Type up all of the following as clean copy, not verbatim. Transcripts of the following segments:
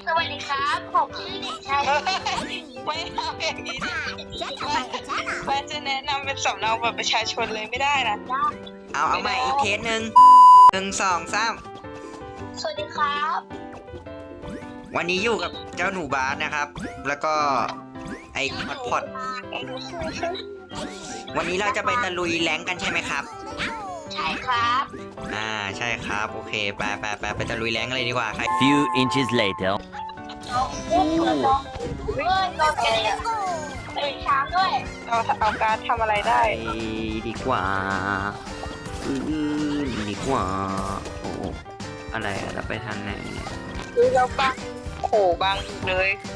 สวัสดีครับผมชื่อเด็กชายไม่ทำอย่างนี้ดิแม่จะแนะนำเป็นสำเนาบัตรประชาชนเลยไม่ได้นะเอาใหม่อีกเคสหนึ่ง1 2 3 สวัสดีครับวันนี้อยู่กับเจ้าหนูบาสนะครับ แล้วก็ไอ้พอดวันนี้เราจะไปตะลุยแรงกันใช่ไหมครับใช่ครับใช่ครับโอเคไปตะลุยแรงกันเลยดีกว่าใคร Few inches later. เราอุ้มเราเราแกเลยตื่นเช้าด้วยเอาการทำอะไรได้ไปดีกว่าดีกว่าโอ้อะไรอะเราไปทางไหนเนี่ยคือเราบังโขบังเลย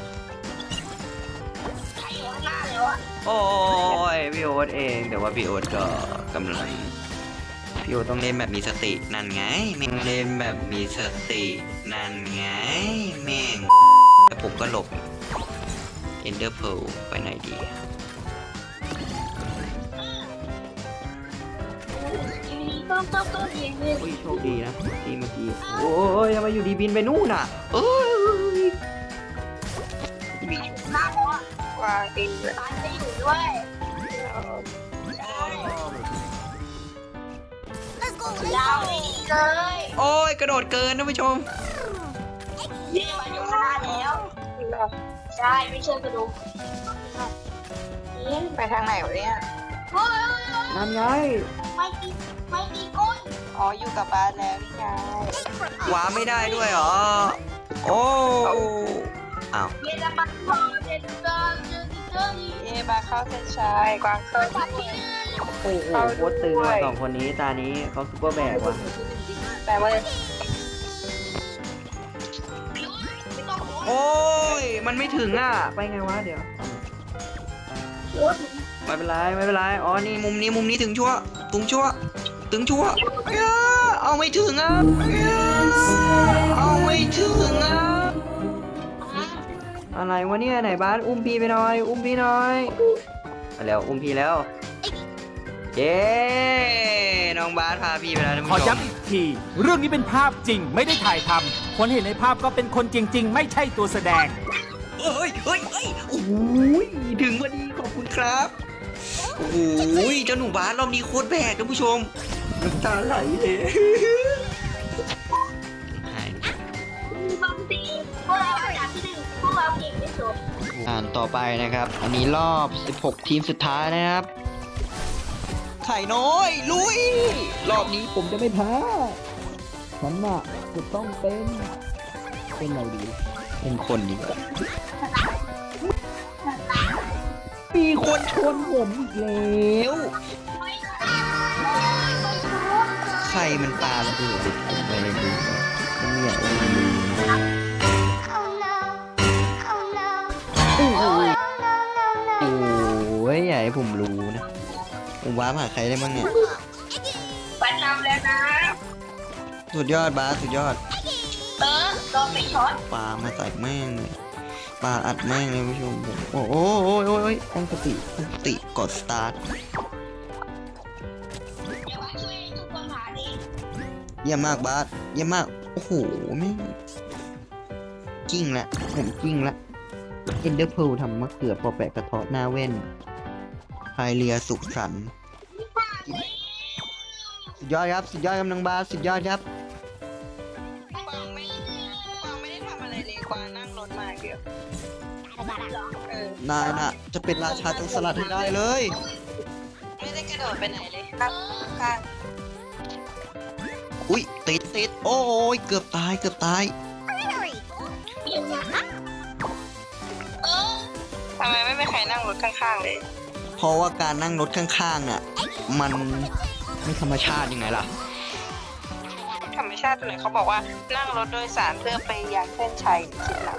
ใครอยู่ข้างหน้าเลยวะโอ้ยพี่โอ๊ตเองแต่ว่าพี่โอ๊ตก็กำลังพี่โอ๊ตต้องเล่นแบบมีสตินั่นไงแม่งเล่นแบบมีสตินั่นไงแม่งแล้วผมก็หลบ Ender Pearl ไปไหนดีต้มยิงเลยโอ้ยโชคดีนะที่เมื่อกี้โอ้ยทำไมอยู่ดีบินไปนู่นน่ะเอ้ยหน้าแล้วอ่ะวางเองเลยตายจะอยู่ด้วยยาวดีเลยโอ้ยกระโดดเกินท่านผู้ชมนี่มาอยู่ข้างหน้าแล้วใช่ไม่เชื่อกระดูกนี่ไปทางไหนวะเนี่ยเฮ้ยนั่นไงไม่ตีก้นอ๋ออยู่กับบ้านแล้วนี่ไงว้าไม่ได้ด้วยเหรอโอ้อ้าวเยลมันพอเดินเดินเดินเดินเอ๊มาเข้าเส้นชัยกวางเข้าตัดที่โอ้โหโคตรตึงว่ะสองคนนี้ตานี้เขาซุปเปอร์แบกว่ะแต่ว่าไม่ต้องหัวโอ้ยมันไม่ถึงอ่ะไปไงวะเดี๋ยวไม่เป็นไรอ๋อนี่มุมนี้ถึงชั่วเอาไม่ถึงอ่ะเอาไม่ถึงอ่ะอะไรวะเนี่ยไหนบ้านอุ้มพี่ไปหน่อยไปแล้วอุ้มพี่แล้วเย้น้องบาสพาพี่ไปแล้วท่านขอผู้ชมย้ำอีกที เรื่องนี้เป็นภาพจริงไม่ได้ถ่ายทำคนเห็นในภาพก็เป็นคนจริง ๆ ไม่ใช่ตัวแสดงเอ้ยโอ้ยถึงพอดีขอบคุณครับโอ้ยเจ้าหนูบาสรอบนี้โคตรแบกท่านผู้ชมน้ำตาไหลเลยบางทีพวกเราอันดับที่หนึ่งพวกเราเก่งที่สุดต่อไปนะครับ อันนี้รอบ 16 ทีมสุดท้ายนะครับ ไข่น้อย ลุย รอบนี้ผมจะไม่แพ้ฉันน่ะจะต้องเป็นอะไรดี เป็นคนดีกว่ามีคนชนผมอีกแล้วใครมันปาระเบิดผมไปเลยดูมันไม่อยากเอามาดูโอ้ยอย่าให้ผมรู้นะผมว้าหาใครได้บ้างเนี่ยปันนำแล้วนะสุดยอดบาสสุดยอดโดนไปช็อตปามาใส่แม่งเลยปาอัดแม่งเลยผู้ชมผมโอ้โหตั้งสติกดสตาร์ทเดี๋ยวว่าช่วยทุกคนหาดิเยี่ยมมากบาสเยี่ยมมากโอ้โหแม่งกิ้งละผมกิ้งละเอนเดอร์เพลทำมะเขือพอแปะกระเทาะหน้าเว้นพายเรือสุขสันต์สุดยอดครับน้องบาสสุดยอดครับกวางไม่ได้ทำอะไรเลยกวางนั่งรถมาเดียวนายน่ะจะเป็นราชาโจรสลัดให้ได้เลยไม่ได้กระโดดไปไหนเลยครับข้างอุ้ยติดโอ้ยเกือบตายทำไมไม่มีใครนั่งรถข้างๆเลยเพราะว่าการนั่งรถข้างๆน่ะมันไม่ธรรมชาติยังไงล่ะธรรมชาติตัวไหนเขาบอกว่านั่งรถโดยสารเพื่อไปยังเส้นชัยคิดหนัก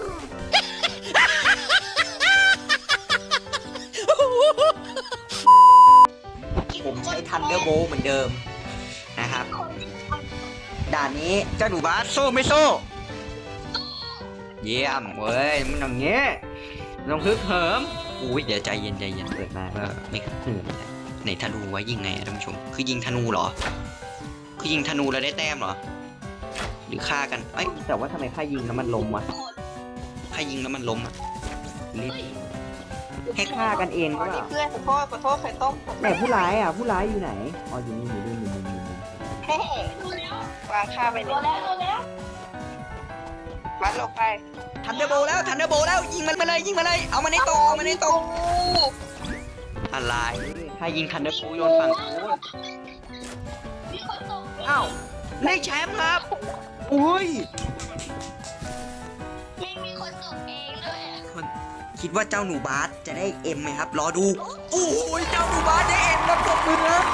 ผมใช้ทันเดอร์โบเหมือนเดิมนะครับด่านนี้เจ้าหนูบาสโซ่ไม่โซ่เยี่ยมเว้ยมันอย่างเงี้ยลองฮึกเหิมอุ้ยเดี๋ยวใจเย็นเปิดมาก็ไม่ฮึกเหิมไหนธนูไว้ยิงไงท่านผู้ชมคือยิงธนูเหรอคือยิงธนูแล้วได้แต้มเหรอหรือฆ่ากันเอ้ยแต่ว่าทำไมฆ่ายิงแล้วมันล้มวะถ้ายิงแล้วมันล้มอ่ะรีบให้ฆ่ากันเองอ๋อก็นี่เพื่อนขอโทษไข่ต้มไหนผู้ร้ายอ่ะผู้ร้ายอยู่ไหนอ๋ออยู่นี่อยู่นี่เฮ้วางข้าไปตัวเนี่ยแล้วมัดลงไปทันเดอร์โบแล้วยิงมันมาเลยเอามันในตกอะไรถ้ายิงทันเดอร์โบโยนฝั่งนู้นมีคนตกอ้าวได้แชมป์ครับอุ้ยมีคนตกเองด้วยคิดว่าเจ้าหนูบาสจะได้เอ็มไหมครับรอดูโอ้ยเจ้าหนูบาสได้เอ็มแล้วตบมือนะ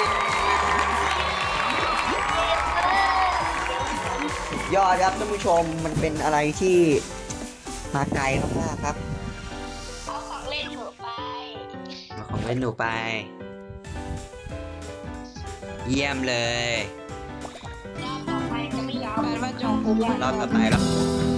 สุดยอดครับท่านผู้ชมมันเป็นอะไรที่มาไกลมากๆครับเอาของเล่นหนูไปเอาของเล่นหนูไป เยี่ยมเลยรอบต่อไปจะไม่ยอมแฟนว่าจงภูมิรอบต่อไปแล้ว